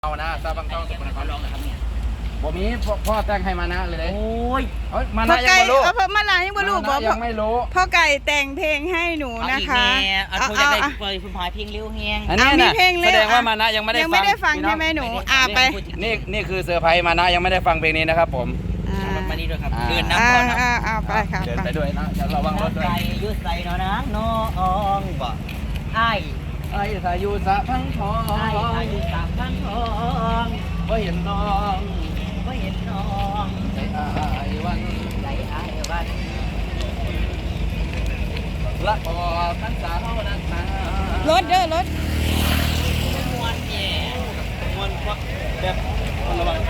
เอานะซาบังเต้าสุพรรณเขาลองนะครับเนี่ยบ่มีพ่อแต่งให้มานะเลยโอ้ยมานะยังไม่รู้เพราะมานะยังไม่รู้บอกยังไม่รู้พ่อไก่แต่งเพลงให้หนูนะคะเอาจะได้เปิดคุณพายเพลงเร็วเฮียงอันนี้นะแสดงว่ามานะยังไม่ได้ฟังใช่ไหมหนูไปนี่คือเซอร์ไพรส์มานะยังไม่ได้ฟังเพลงนี้นะครับผมมานี่ด้วยครับเดินน้ำก่อนไปค่ะเดินไปด้วยนะจะระวังรถด้วยยืดใส่น้องบ่ไอ้สายุสะพังทองไอ้สายุสะพังทองก็เห็นน้องก็เห็นน้องใจอ้ายวันละออกพรรษาเท่านั้นนะรถเด้อรถมวนแย่มวนแบบระวัง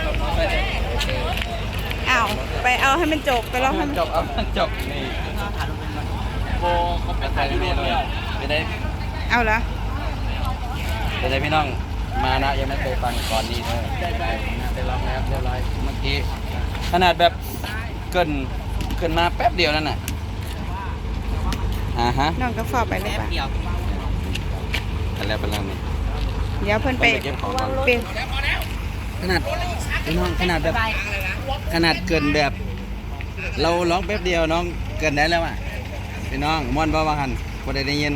ไปเอาให้มันจบไปลองให้มันจบนี่โบเขาเป็นใครไม่รู้ไปได้เอาละไปได้พี่น้องมานะยังไม่เคยฟังก่อนนี้เลยได้ร้องแล้วเรียบร้อยเมื่อกี้ขนาดแบบเกินมาแป๊บเดียวนั่นน่ะฮะน้องก็ฝากไปเลยป่ะแล้วเป็นเรื่องนี้เดี๋ยวเพิ่นไปเป็นขนาดพี่น้องขนาดแบบขนาดเกินแบบเราร้องแป๊บเดียวน้องเกินได้แล้วอ่ะพี่น้องม่วนบ่ว่าหันบ่ได้ยิน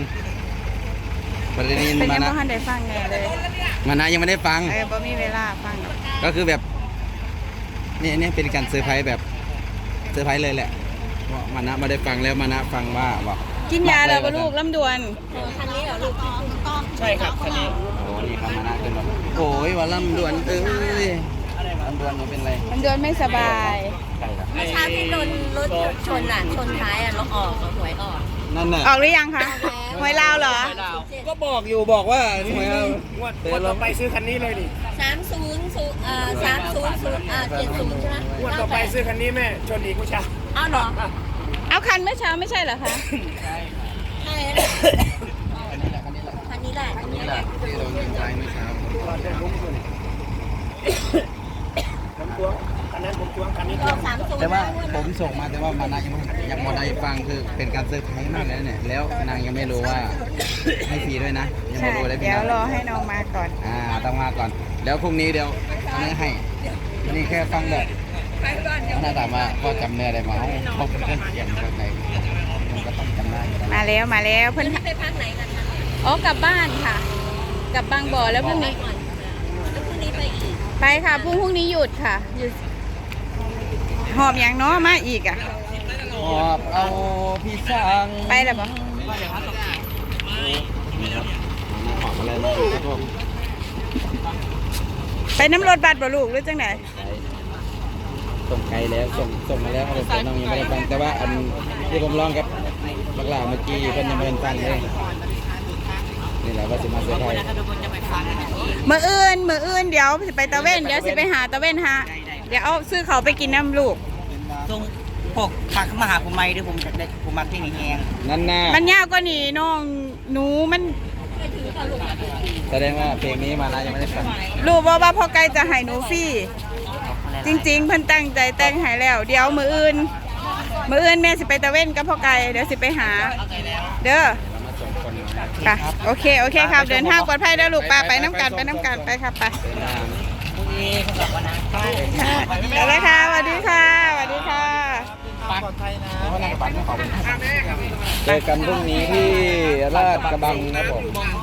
มานะได้ฟังแน่เลยมานะยังไม่ได้ฟังบ่มีเวลาฟังก็คือแบบนี่เป็นการเซอร์ไพรส์แบบเซอร์ไพรส์เลยแหละว่ามานะไม่ได้ฟังแล้วมานะฟังว่ากินยาแล้วลูกลำดวนคันนี้เหรอลูกใช่ครับคันนี้โอ้นี่ครับมานะขึ้นมาโอ้ยว่าลำดวนลำดวนมันเป็นไรลำดวนไม่สบายเมื่อเช้าที่โดนรถชนท้ายรถออกหวยออกนั่นน่ะออกหรือยังคะหวยลาวเหรอก็บอกว่าหวยวันต่อไปซื้อคันนี้เลยดิ 30 70ใช่ไหมวันต่อไปซื้อคันนี้แม่ชนอีกเมื่อเช้าอ้าวเหรอเอาคันเมื่อเช้าไม่ใช่เหรอคะใช่คันนี้แหละที่เรายิงใจเมื่อเช้าแต่ว่าผมส่งมาแต่ว่ามานะยังไม่ได้ฟังคือเป็นการเซอร์ไพรส์มากเลยเนี่ยแล้วนางยังไม่รู้ว่าให้ฟรีด้วยนะยังไม่รู้เลยเดี๋ยวรอให้น้องมาก่อนต้องมาก่อนแล้วพรุ่งนี้เดี๋ยวไม่ให้นี่แค่ฟังแบบน่าถามว่าพ่อจำเนื้อได้ไหมเขาเป็นเรื่องเสียงแบบไหนผมก็ต้องจำได้มาแล้วเพิ่นไปพักไหนกันคะกลับบ้านค่ะกลับบางบ่อแล้วพรุ่งนี้ไปอีกไปค่ะพรุ่งนี้หยุดค่ะหยุดหอบอย่างน้อมาอีกหอบเอาพี่สังไปแล้วปะหอบอะไรมาครับผมไปน้ำรถบัสบ่ลูกหรือจังไหนส่งไกลแล้วส่งมาแล้วแต่น้องยังไม่ได้ฟังแต่ว่าอันที่ผมร้องกับบักหลาเมื่อกี้เพิ่นยังไม่ได้ฟังเลยนี่แหละว่าสิมาเสียไทยมื้ออื่นเดี๋ยวสิไปตะเว้นเดี๋ยวสิไปหาตะเว้นฮะเดี๋ยวเอาซื้อเขาไปกินน้ำลูกตรงพวกผักมาหาผมไม่ด้วยผมมาที่นี่แหงนั่นน่ะมันยากกว่านี้น้องหนูมันแสดงว่าเพลงนี้มานะยังไม่ได้ฟังรู้ว่าพ่อไก่จะให้หนูฟรีจริงๆเพิ่นตั้งใจแต่งให้แล้วเดี๋ยวมื้ออื่นแม่สิไปตะเว้นกับพ่อไก่เดี๋ยวสิไปหาเด้อไปโอเคครับเดินทางปลอดภัยเด้อลูกป้าไปน้ำกันไปครับไปอะไรค่ะสวัสดีค่ะปลอดภัยนะเจอกันพรุ่งนี้ที่ลาดกระบังนะผม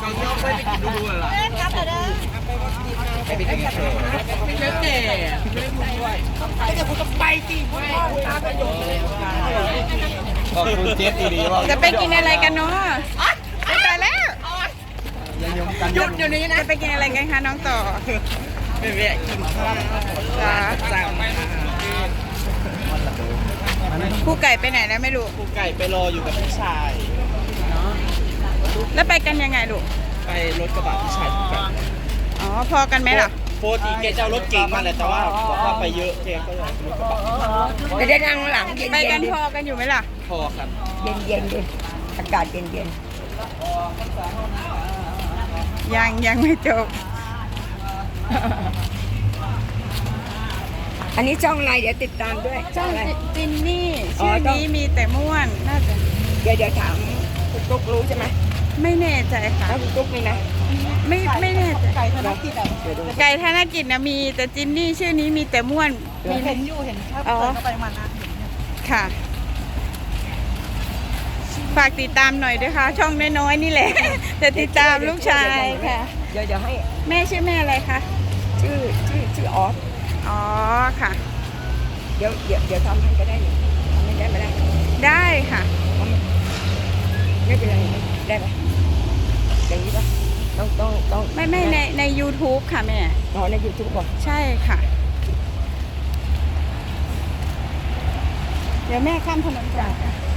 ขอบคุณเจสดีว่าจะไปกินอะไรกันเนาะไปแล้วหยุดเดี๋ยวนี้นะจะไปกินอะไรกันคะน้องต่อไม่แวะกินข้าวสั่งผู้ไก่ไปไหนแล้วไม่รู้ผู้ไก่ไปรออยู่กับพี่ชายแล้วไปกันยังไงลูกไปรถกระบะพี่ชายอ๋อพอกันไหมล่ะโปรตีแกเจ้ารถเก่งมาเลยแต่ว่าบอกว่าไปเยอะแกก็เลยรถกระบะจะได้นั่งหลังไปกันพอกันอยู่ไหมล่ะพอครับเย็นอากาศเย็นยังไม่จบอันนี้ช่องอะไรเดี๋ยวติดตามด้วยช่องจินนี่ชื่อนี้มีแต่ม่วนน่าจะเดี๋ยวถามคุณตุ๊กรู้ใช่ไหมไม่แน่ใจค่ะคุณตุ๊กนี่นะไม่แน่ใจไก่ธนกิจอ่ะไก่ธนกิจนะมีแต่จินนี่ชื่อนี้มีแต่ม่วนมีเห็นอยู่เห็นถ้าเปิดเข้าไปมันนะค่ะ ฝากติดตามหน่อยด้วยค่ะ ช่องน้อยๆนี่แหละ จะติดตามลูกชายค่ะเดี๋ยวให้แม่ชื่อแม่อะไรคะชื่อออสอ๋อค่ะเดี๋ยวทำให้ก็ได้นี่ทำให้ได้ไหมได้ได้ค่ะไม่เป็นไรได้ไหมอย่างนี้ปะต้องไม่ใน YouTube ค่ะแม่อ๋อในยูทูบป่ะใช่ค่ะ เดี๋ยวแม่ข้ามถนนก่อน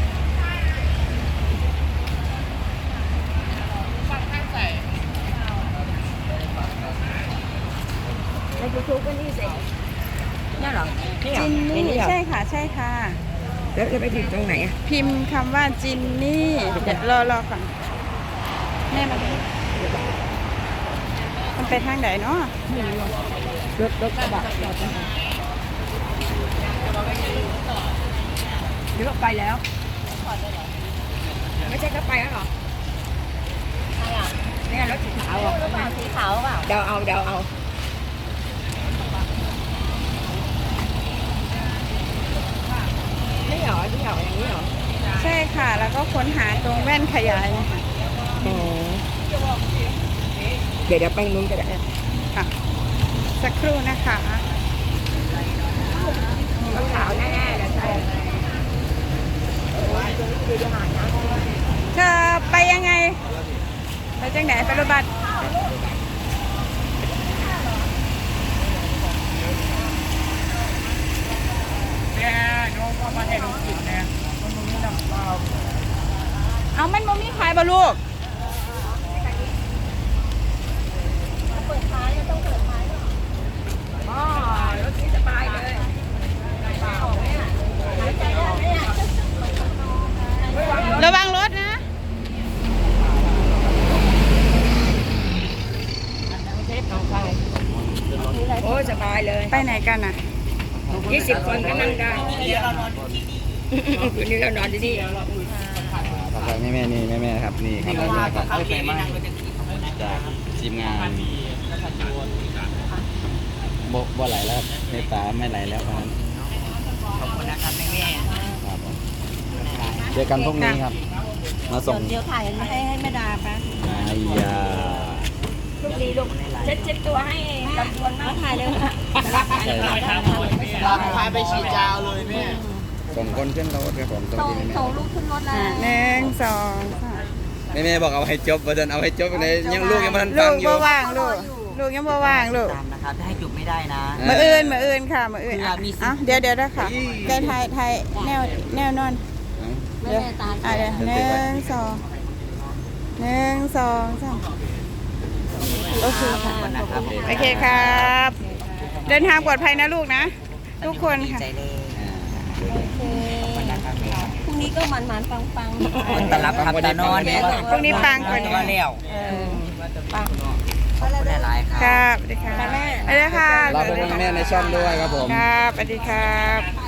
ในยูทูบก็นี่สินี่เหรอนี่เหรอจินนี่เหรอใช่ค่ะใช่ค่ะแล้วจะไปถึงตรงไหนอ่ะพิมพ์คำว่าจินนี่เดี๋ยวรอก่อนแม่มาดูมันไปทางไหนเนาะรถกระบะจอดตรงไหนหรือว่าไปแล้วไม่ใช่ก็ไปแล้วเหรอเนี่ยรถสีขาวอ่ะสีขาวเปล่าเดาเอานี่เหรอที่เหรออย่างนี้เหรอใช่ค่ะ แล้วก็ค้นหาตรงแว่นขยายนะคะอ๋อเดี๋ยวไปนู้นก็ได้ค่ะสักครู่นะคะต้องขาวแน่ๆเลยใช่เธอไปยังไง ไปจังไหนไปรถบัสเอามันบ่มีขายบ่ลูกอ๋อรถนี้สบายเลยระวังรถนะโอ้สบายเลยไปไหนกันอ่ะ 20 คนก็นั่งได้คืนนี้เรานอนที่นี่ฝากแม่นี่แม่ครับนี่ครับแม่ครับจากทีมงานบ่ไหลแล้วในตาไม่ไหลแล้ววันนั้นขอบคุณนะครับแม่ครับผมเจอกันพรุ่งนี้ครับ มาส่งเดี๋ยวถ่ายให้แม่ดาปะอายาลูกดีลูกเช็ดตัวให้ลำดวนมากถ่ายเลยใช่ครับพาไปฉีดยาวเลยแม่ส่งคนขึ้นรถครับผมส่งที่แม่ส่งลูกขึ้นรถแล้วหนึ่งสองสามแม่บอกเอาให้จบประเด็นเอาให้จบในยังลูกยังไม่ทันลูฟังกอยู่บ่ว่างลูกยังบ่ว่างลูกตามนะครับให้จุบไม่ได้นะมืออื่นค่ะมืออื่นอ่ะเดี๋ยวนะค่ะไกลไทยแนวนอนเดี๋ยวเดี๋ยวหนึ่งสองสามโอเคค่ะโอเคครับ เดินทางปลอดภัยนะลูกนะ ทุกคนค่ะใจเลยพรุ่งนี้ก็มันๆปังๆตลับครับตานอนเนี่ยพรุ่งนี้ปังกว่านี้ก็แล้วปังขอบคุณหลายๆครับครับสวัสดีค่ะสวัสดีค่ะเราเป็นแม่ในช่องด้วยครับผมครับสวัสดีครับ